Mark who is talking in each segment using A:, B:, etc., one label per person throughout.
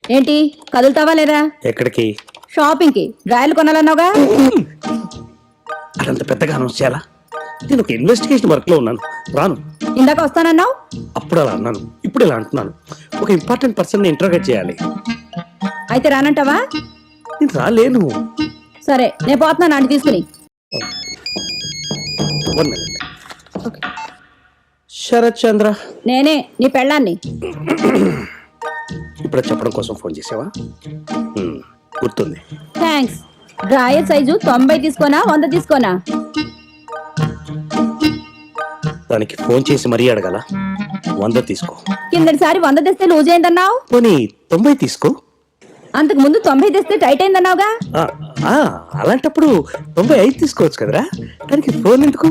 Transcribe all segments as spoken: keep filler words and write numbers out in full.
A: ఏంటి కదులుతావా లేదా?
B: ఎక్కడికి?
A: షాపింగ్ కి. డ్రాయలు కొనాలన్నావుగా.
B: అదంత పెద్దగా అనౌన్స్ చేయాలా? నేను ఒక ఇన్వెస్టిగేషన్ వర్క్ లో ఉన్నాను, రాను.
A: ఇందాక వస్తానన్నావు.
B: అప్పుడు అలా అన్నాను, ఇప్పుడు ఇలా అంటున్నాను. ఒక ఇంపార్టెంట్ పర్సన్ ని ఇంట్రోగేట్ చేయాలి.
A: అయితే రానంటావా?
B: నేను రాలేను.
A: సరే నేను పోతున్నాను ఆంటీ తీసుకుని.
B: One minute. శరత్ చంద్ర,
A: నేనే నీ పెళ్ళాన్ని.
B: ఇప్పుడు చెప్పడం కోసం ఫోన్ చేసావా? హ్మ్, గుర్తుంది.
A: థ్యాంక్స్. డ్రాయర్ సైజు తొంభై తీసుకోనా వంద తీసుకోనా?
B: దానికి ఫోన్ చేసి మరీ అడగాల? వంద తీసుకో.
A: కిందటిసారి వంద తెస్తే లూజ్ అయిందన్నావు.
B: పోనీ తొంభై తీసుకో.
A: అంతకు ముందు తొంభై తెస్తే టైట్ అయిందన్నావుగా.
B: ఆ, ఆ, అలాంటప్పుడు తొంభై ఐదు తీసుకోవచ్చు కదరా. దానికి ఫోన్ ఎందుకు?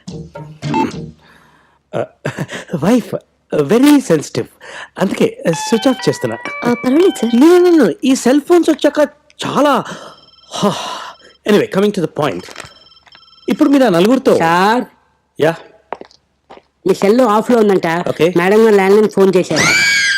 B: వైఫ్ వెరీ సెన్సిటివ్, అందుకే స్విచ్ ఆఫ్ చేస్తున్నా.
A: పర్వాలేదు సార్.
B: No, no, no. ఈ సెల్ ఫోన్స్ వచ్చాక చాలా. Anyway, coming to the point. ఇప్పుడు మీరు ఆ నలుగురితో.
C: సార్,
B: యా,
C: మీ సెల్ ఆఫ్ లో ఉందంట.
B: Okay.
C: మేడం గారు ల్యాండ్ లైన్ ఫోన్ చేశారు.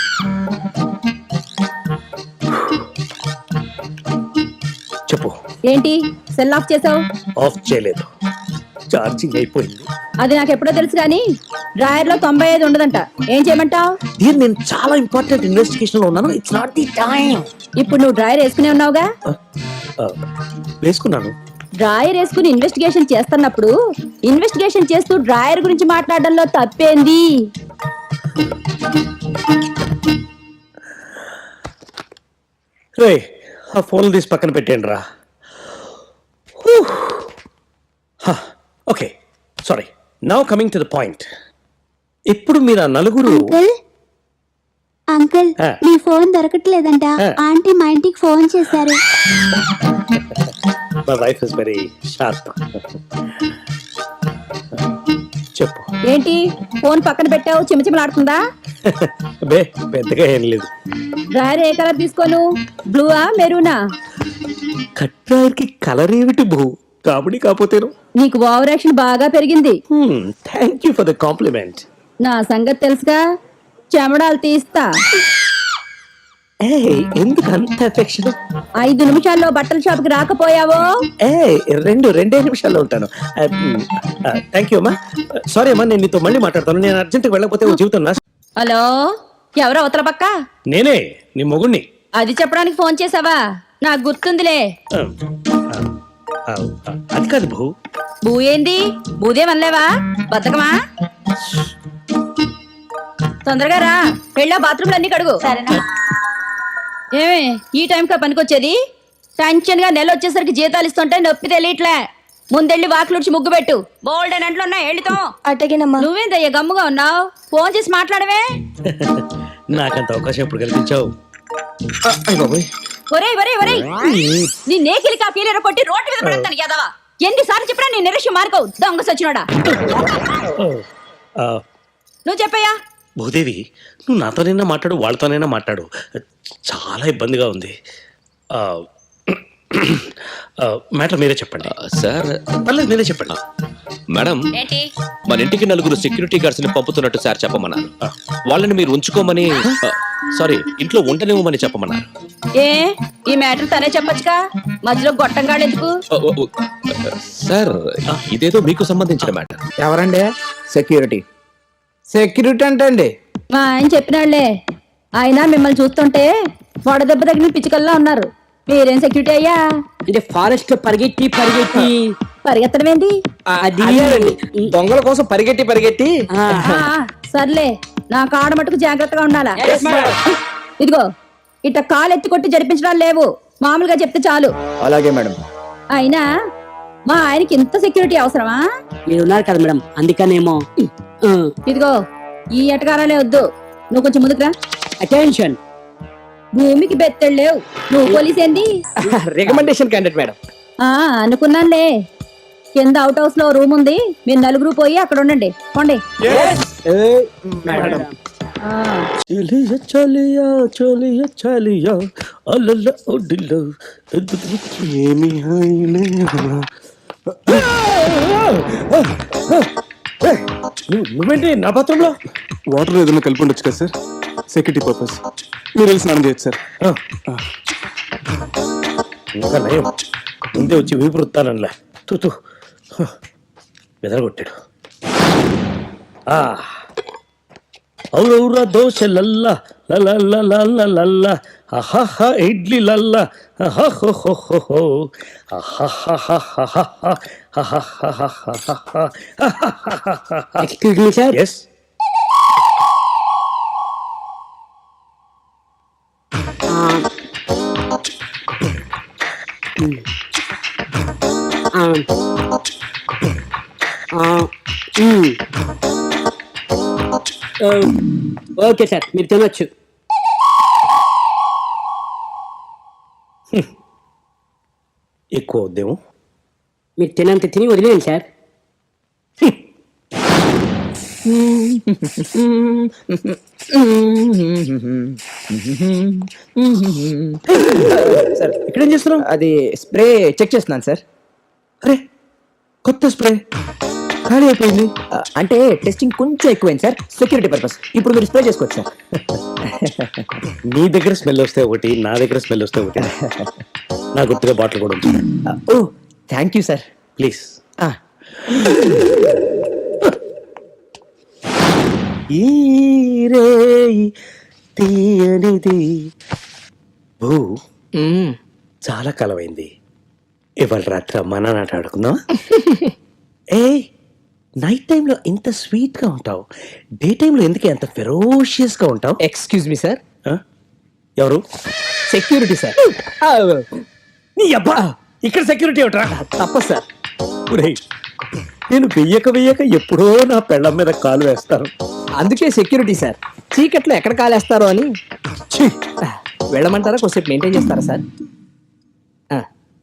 B: చెప్పు.
A: ఏంటి సెల్ ఆఫ్ చేసావు?
B: ఆఫ్ చేయలేదు, ఛార్జింగ్ అయిపోయింది.
A: అది నాకు ఎప్పుడో తెలుసు కానీ డ్రాయర్ లో తొంభై ఐదు ఉండదంట. ఏం చేయమంటావు?
B: దీన్ని నేను చాలా ఇంపార్టెంట్ ఇన్వెస్టిగేషన్ లో ఉన్నాను. It's not the time.
A: ఇప్పుడు నువ్వు డ్రాయర్ వేసుకునే ఉన్నావుగా.
B: వేసుకున్నాను.
A: డ్రాయర్ వేసుకుని ఇన్వెస్టిగేషన్ చేస్తున్నప్పుడు ఇన్వెస్టిగేషన్ చేస్తూ డ్రాయర్ గురించి మాట్లాడడంలో తప్పేంది?
B: రే, ఆ ఫోన్ తీసి పక్కన పెట్టేయండి రా. Okay, sorry. Now coming to the point. ఇప్పుడు మీరు ఆ నలుగురు.
D: అంకుల్ అంకుల్
B: ఆ.
D: మీ ఫోన్ దొరకట్లేదంట.
B: ఆ.
D: ఆంటీ మా ఇంటికి ఫోన్ చేశారు.
B: My wife is very sharp. చెప్పు.
A: ఏంటి ఫోన్ పక్కన పెట్టావు? చిమచిమలాడుతుందా?
B: బే, పెద్దగా ఏం లేదు.
A: డ్రాయర్ ఏ కలర్ తీసుకోను? బ్లూవా మెరూనా?
B: కట్రాయర్కి కలర్ ఏమిటి బహు? కాబడి కాకపోతేను.
A: నీకు ఓవర్ యాక్షన్ బాగా పెరిగింది.
B: Thank you for the compliment.
A: నా సంగతి తెలుసుగా, చెమడాలు తీస్తా.
B: ఏ, ఎందుకు అంత ఎఫెక్షన్?
A: ఐదు నిమిషాల్లో బట్టల షాప్కి రాకపోయావో
B: ఏ, రెండు రెండే నిమిషాల్లో ఉంటాను. థ్యాంక్ యూ అమ్మా. సారీ అమ్మా, నేను నీతో మళ్ళీ మాట్లాడతాను. నేను అర్జెంట్గా వెళ్ళకపోతే ఓ జీవితం నా.
A: హలో, ఎవరో అవతల పక్క?
B: నేనే, నీ మొగుణ్ణి.
A: అది చెప్పడానికి ఫోన్ చేసావా? నాకు గుర్తుందిలే.
B: ఆ, ఆ, ఆ, అది కాదు బహు.
A: బూ ఏంది? బూదే వనలేవా? బతకమా? తొందరగా రా, పెళ్ళా బాత్రూమ్లు అన్ని కడుగు. ఏమే ఈ టైంకా పనికొచ్చేది? టెన్షన్ గా నెల వచ్చేసరికి జీతాలు ఇస్తుంటే నొప్పి తెలియట్లే. ముందెళ్ళి వాకిలుడిచి ముగ్గు పెట్టు. బోల్డ్ అని అంట్లో ఉన్నాయి, వెళ్ళితో.
D: అటగినమ్మా.
A: నువ్వేందయ్యా గమ్ముగా ఉన్నావు? ఫోన్ చేసి మాట్లాడవే.
B: నాకంత అవకాశం ఎప్పుడు కల్పించావు? ఆ, అయ్ బాబోయ్.
A: ఒరే ఒరే ఒరే, నీ నేకిలి కాపీలు కొట్టి రోడ్డు మీద పడతాను యాదవా. ఎన్నిసార్లు చెప్పినా నీ నిరక్ష్యం మార్కవు దొంగ సచ్చినోడా.
B: ఆ,
A: నువ్వు చెప్పయ్యా.
B: భూదేవి, నువ్వు నాతోనైనా మాట్లాడు, వాళ్ళతోనైనా మాట్లాడు. చాలా ఇబ్బందిగా ఉంది. మ్యాటర్ మీరే చెప్పండి.
E: సార్,
B: పర్లేదు మీరే చెప్పండి.
E: మేడం,
A: ఏంటి?
E: మన ఇంటికి నలుగురు సెక్యూరిటీ గార్డ్స్ ని పంపుతున్నట్టు సార్ చెప్పమన్నారు. వాళ్ళని మీరు ఉంచుకోమని, సారీ, ఇంట్లో ఉండనివ్వమని చెప్పమన్నారు.
A: ఏ ఈ మ్యాటర్ తనే చెప్పొచ్చుగా, మధ్యలో గొట్టంగాడు ఎందుకు?
E: ఓ, ఓ, ఓ, సార్, ఇదేదో మీకు సంబంధించిన మ్యాటర్.
F: ఎవరండి? సెక్యూరిటీ. సెక్యూరిటీ అంటే అండి
A: మా ఆయన చెప్పినాళ్లే. ఆయన మిమ్మల్ని చూస్తుంటే వడదెబ్బ తగిన పిచ్చుకల్లా ఉన్నారు. మీరేం సెక్యూరిటీ అయ్యా?
C: అంటే ఫారెస్ట్ పరిగెట్టి పరిగెట్టి
A: పరిగెత్తడం ఏంటి?
C: అది
F: అదేనండి, దొంగల కోసం పరిగెట్టి పరిగెట్టి.
C: ఆ,
A: ఆ, సర్లే, నా కాడ మటుకు జాగ్రత్తగా ఉండాలా. ఇదిగో ఇట్ట కాలు ఎత్తి కొట్టి జరిపించడాలు లేవు, మామూలుగా చెప్తే చాలు.
F: అలాగే మేడం.
A: అయినా మా ఆయనకి ఇంత సెక్యూరిటీ అవసరమా?
C: మీరు ఉన్నారు కదా మేడం, అందుకనేమో.
A: ఇదిగో ఈ ఎటకారాలే వద్దు, నువ్వు కొంచెం ముందుకురా.
C: అటెన్షన్.
A: భూమికి బెత్తెడు లేవు, నువ్వు పోలీస్ ఏంది?
F: Recommendation candidate madam.
A: ఆ అనుకున్నానులే. కింద అవుట్ హౌస్ లో రూమ్ ఉంది, మీరు నలుగురు పోయి అక్కడ ఉండండి. పోండి.
F: మేడం,
A: ఆ,
B: చలియా చలియా చలియా చలియా అలల ఒడిలో ఏమి హాయిలే. నువ్వేంటి నా పాత్రంలో?
G: వాటర్ ఏదైనా కలిపి ఉండొచ్చు కదా సార్? సెక్యూరిటీ పర్పస్ మీరు వెళ్ళి స్నానం చేయొచ్చు సార్.
B: ఆ. ఇంకా నయం ముందే వచ్చి వీపు రుత్తానలా తూ తూ బెదరగొట్టాడు. ఔరౌరా దోశ లల్ల లల్ల లల్ల లల్ల అహహ ఇడ్లీ లల్ల అహహో
C: excuse me sir.
B: Yes
C: okay sir, మీరు తినొచ్చు.
B: ఎక్కువ వద్దేమో.
C: మీరు తినంత తిని వదిలేయండి సార్.
F: సార్
B: ఇక్కడేం చేస్తున్నావు?
F: అది స్ప్రే చెక్ చేస్తున్నాను సార్.
B: అరే కొత్త స్ప్రే ఖాళీ అయిపోయింది.
F: ఆ, అంటే టెస్టింగ్ కొంచెం ఎక్కువైంది సార్, సెక్యూరిటీ పర్పస్. ఇప్పుడు మీరు స్ప్రే చేసుకోవచ్చు సార్.
B: నీ దగ్గర స్మెల్ వస్తే ఒకటి, నా దగ్గర స్మెల్ వస్తే ఒకటి. నా గుర్తుగా బాటిల్ కూడా ఉంది.
F: ఆ, ఓ థ్యాంక్ యూ సార్.
B: ప్లీజ్.
F: ఆ,
B: ఈ రేయి తీయనిది భూ
F: మ్మ్.
B: చాలా కాలమైంది. ఇవాళ రాత్రి అమ్మా నాన్న ఆట ఆడుకుందాం. ఏ నైట్ టైంలో ఇంత స్వీట్ గా ఉంటావు, డే టైంలో ఎందుకే అంత ఫెరోషియస్ గా ఉంటావు?
F: Excuse me sir.
B: ఆ? ఎవరు?
F: Security sir. ఆ,
B: నీ అబ్బా ఇక్కడ సెక్యూరిటీ ఏమిట్రా?
F: తప్పదు సార్.
B: ఒరేయ్, నేను వెయ్యక వెయ్యక ఎప్పుడో నా పెళ్ళం మీద కాలు వేస్తాను.
F: అందుకే సెక్యూరిటీ సార్. చీకట్లో ఎక్కడ కాలేస్తారో అని.
B: ఛీ!
F: ఆ, వెళ్ళమంటారా, కొద్దిసేపు మెయింటైన్ చేస్తారా సార్? ఆ.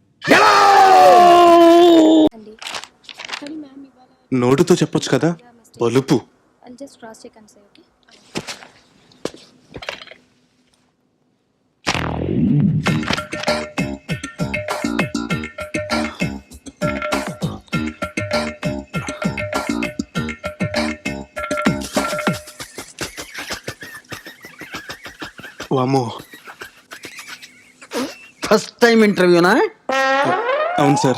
G: నోటుతో చెప్పొచ్చు కదా, బలుపు.
D: I'll just cross check and say, okay?
G: వామో,
H: ఫస్ట్ టైం ఇంటర్వ్యూనా?
G: అవును సార్.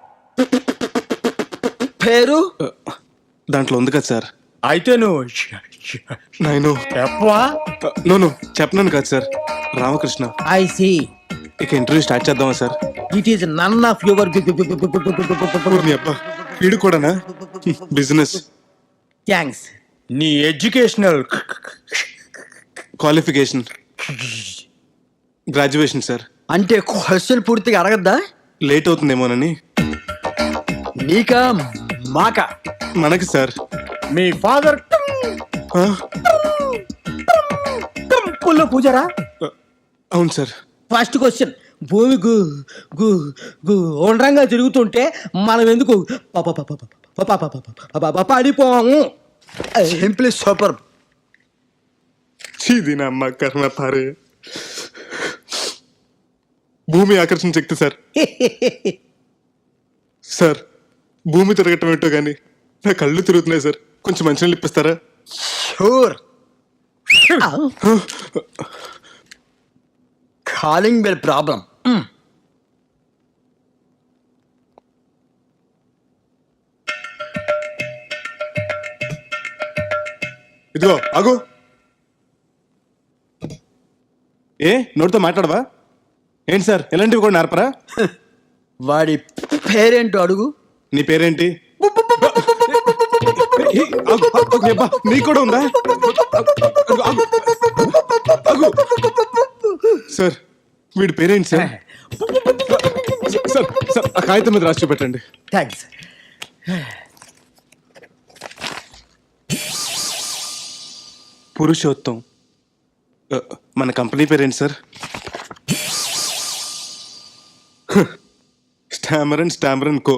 H: పేరు
G: దాంట్లో ఉంది కదా సార్.
H: అయితే నువ్వు
G: నేను
H: చెప్పవా?
G: నోను చెప్పనాను కదా సార్. రామకృష్ణ.
H: ఐ సి
G: ఇక ఇంటర్వ్యూ స్టార్ట్ చేద్దామా sir?
H: It is none of your
G: ఊరిని అబ్బా, వీడు కూడానా? Business
H: thanks. నీ ఎడ్యుకేషనల్
G: క్వాలిఫికేషన్ గ్రాడ్యుయేషన్ సార్.
H: అంటే క్వశ్చన్ పూర్తిగా అడగద్దా?
G: లేట్ అవుతుందేమోనని.
H: నీకా మాకా?
G: మనకి సార్.
H: మీ ఫాదర్
G: ఆ?
H: టెంపుల్లో పూజారా?
G: అవును సార్.
H: ఫస్ట్ క్వశ్చన్, భూమి గు గు గు ఉండ్రంగా తిరుగుతుంటే మనం ఎందుకు ప- ప- ప- ప- ప- ప- ప- ప- ప- ప- పడిపోము? Simply super.
G: చీది నా అమ్మ కర్మ పారే. భూమి ఆకర్షణ శక్తి సార్. సార్, భూమి తిరగటం ఏంటో కానీ నా కళ్ళు తిరుగుతున్నాయి సార్. కొంచెం మంచినీళ్ళు ఇప్పిస్తారా?
H: షూర్. Calling bell problem.
G: ఇదిగో ఆగు. ఏ నోటితో మాట్లాడవా ఏంటి సార్? ఎలాంటివి కూడా నేర్పరా?
H: వాడి పేరేంటో అడుగు.
G: నీ పేరేంటి? ఏ, ఆగు, ఆగు, అబ్బా, నీకు కూడా ఉందా? ఆగు, ఆగు, ఆగు. సార్, వీడి పేరేంటి సార్? సార్ సార్ ఆ కాగితం మీద రాసి చూపెట్టండి.
H: థ్యాంక్స్.
G: పురుషోత్తం. ఆ, మన కంపెనీ పేరేంటి sir? Stamer and Stamer and Co.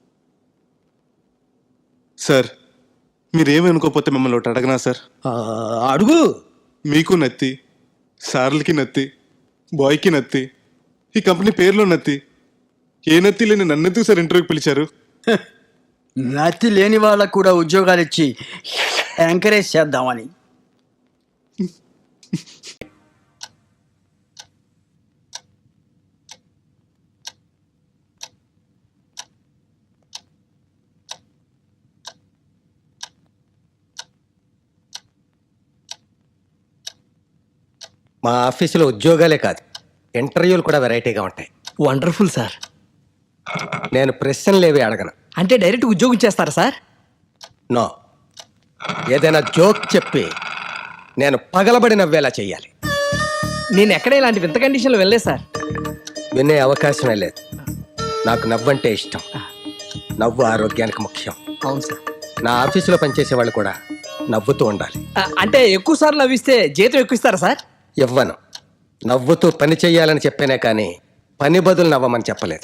G: Sir, మీరేమనుకోకపోతే మిమ్మల్ని ఒకటి అడగనా సార్?
H: ఆ, అడుగు.
G: మీకు నత్తి, సార్లకి నత్తి, బాయ్కి నత్తి, ఈ కంపెనీ పేరులో నత్తి. ఏ నత్తి లేని నన్నెందుకు సార్ ఇంటర్వ్యూకి పిలిచారు?
H: నతి లేని వాళ్ళకు కూడా ఉద్యోగాలు ఇచ్చి ఎంకరేజ్ చేద్దామని.
B: మా ఆఫీసులో ఉద్యోగాలే కాదు ఇంటర్వ్యూలు కూడా వెరైటీగా ఉంటాయి.
F: Wonderful sir.
B: నేను ప్రశ్నలు ఏవి అడగను.
F: అంటే డైరెక్ట్ ఉద్యోగం చేస్తారా సార్?
B: నో, ఏదైనా జోక్ చెప్పి నేను పగలబడి నవ్వేలా చెయ్యాలి.
F: నేను ఎక్కడ ఇలాంటి వింత కండిషన్లో వెళ్ళలేదు సార్.
B: వినే అవకాశమే లేదు. నాకు నవ్వంటే ఇష్టం. నవ్వు ఆరోగ్యానికి ముఖ్యం.
F: అవును సార్.
B: నా ఆఫీసులో పనిచేసే వాళ్ళు కూడా నవ్వుతూ ఉండాలి.
F: ఆ, అంటే ఎక్కువ సార్లు నవ్విస్తే జీతం ఎక్కువ ఇస్తారా సార్?
B: ఇవ్వను. నవ్వుతూ పని చెయ్యాలని చెప్పానే కానీ పని బదులు నవ్వమని చెప్పలేదు.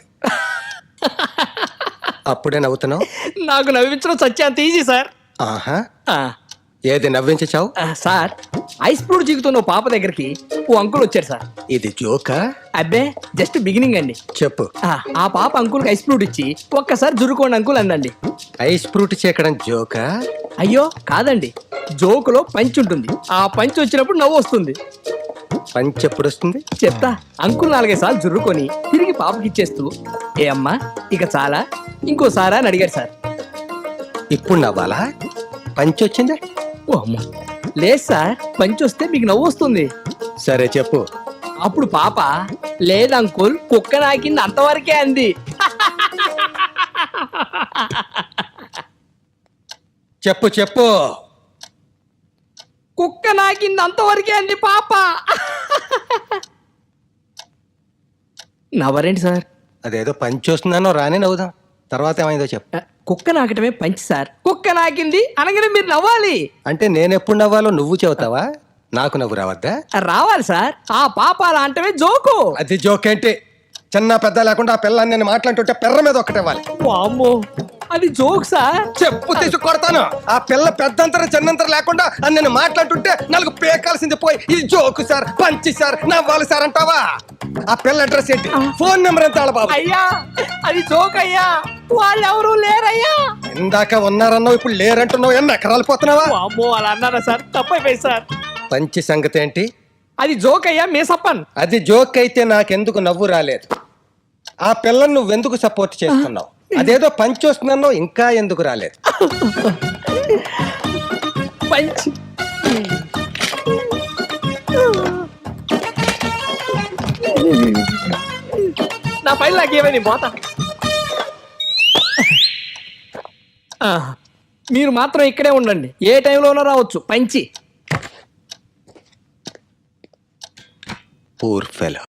B: అప్పుడే నవ్వుతున్నావు.
F: నాకు నవ్వించడం సత్యాంత ఈజీ సార్.
B: ఆహా,
F: ఆ,
B: ఏది నవ్వించావు?
F: ఆ, సార్ ఐస్ ఫ్రూట్ జీగుతున్న ఓ పాప దగ్గరికి ఓ అంకుల్ వచ్చారు సార్.
B: ఇది జోకా?
F: అబ్బే జస్ట్ బిగినింగ్ అండి.
B: చెప్పు.
F: ఆ, ఆ పాప అంకుల్కి ఐస్ ఫ్రూట్ ఇచ్చి ఒక్కసారి జురుకోండి అంకుల్ అందండి.
B: ఐస్ ఫ్రూట్ చేకడం జోకా?
F: అయ్యో కాదండి, జోకులో పంచ్ ఉంటుంది. ఆ పంచ్ వచ్చినప్పుడు నవ్వు వస్తుంది.
B: పంచి ఎప్పుడు వస్తుంది?
F: చెప్తా. అంకుల్ నాలుగైదు సార్లు జుర్రుకొని తిరిగి పాపకి ఇచ్చేస్తూ ఏ అమ్మా ఇక చాలా ఇంకోసారా అని అడిగారు సార్.
B: ఇప్పుడు నవ్వాలా? పంచి వచ్చిందా?
F: ఓ అమ్మ, లేదు సార్, పంచ్ వస్తే మీకు నవ్వు వస్తుంది.
B: సరే చెప్పు.
F: అప్పుడు పాప లేదు అంకుల్ కుక్క నాకింది అంతవరకే అంది.
B: చెప్పు చెప్పు.
F: కుక్క నాకింది అంతవరకే అంది పాప. నవ్వరేంటి సార్?
B: అదేదో పంచి వస్తుందనో రాని నవ్వుదాం. తర్వాత ఏమైందో చెప్పు.
F: కుక్క నాకటమే పంచి సార్. కుక్క నాకింది అనగానే మీరు నవ్వాలి.
B: అంటే నేనెప్పుడు నవ్వాలో నువ్వు చెబుతావా? నాకు నవ్వు రావద్దా?
F: రావాలి సార్. ఆ పాప అలా అంటమే జోకు.
B: అది జోకేంటి? చిన్న పెద్ద లేకుండా ఆ పిల్లని నేను మాట్లాడుతుంటే పెర్ర మీద ఒక్కటేవాలి.
F: వామ్మో, అది జోక్ సార్.
B: చెప్పు తీసి కొడతాను. ఆ పిల్ల పెద్దంతరం చిన్నంతరం లేకుండా అని నేను మాట్లాడుతుంటే నాలుగు పేకాల్సింది పోయి ఇది జోకు సార్, పంచి సార్, నవ్వాలి సార్ అంటావా? ఆ పిల్ల అడ్రస్ ఏంటి? ఫోన్ నెంబర్ ఎంత బాబు?
F: అయ్యా అది జోక్ అయ్యా, వాళ్ళు ఎవరు లేరయ్యా.
B: ఇందాక ఉన్నారన్నావు, ఇప్పుడు లేరంటున్నావు. ఎన్ని ఎకరాలు పోతున్నావా?
F: వామ్మో అలా అన్నారా సార్? తప్పైపోయి సార్.
B: పంచి సంగతి ఏంటి?
F: అది జోక్ అయ్యా, మేసప్పన్.
B: అది జోక్ అయితే నాకెందుకు నవ్వు రాలేదు? ఆ పిల్లని నువ్వెందుకు సపోర్ట్ చేస్తున్నావు? అదేదో పంచి వస్తున్నావు, ఇంకా ఎందుకు రాలేదు?
F: పంచ్ నా పైన నాకేమైంది పోతా. ఆ, మీరు మాత్రం ఇక్కడే ఉండండి, ఏ టైంలోనో రావచ్చు పంచి.
B: Poor fellow.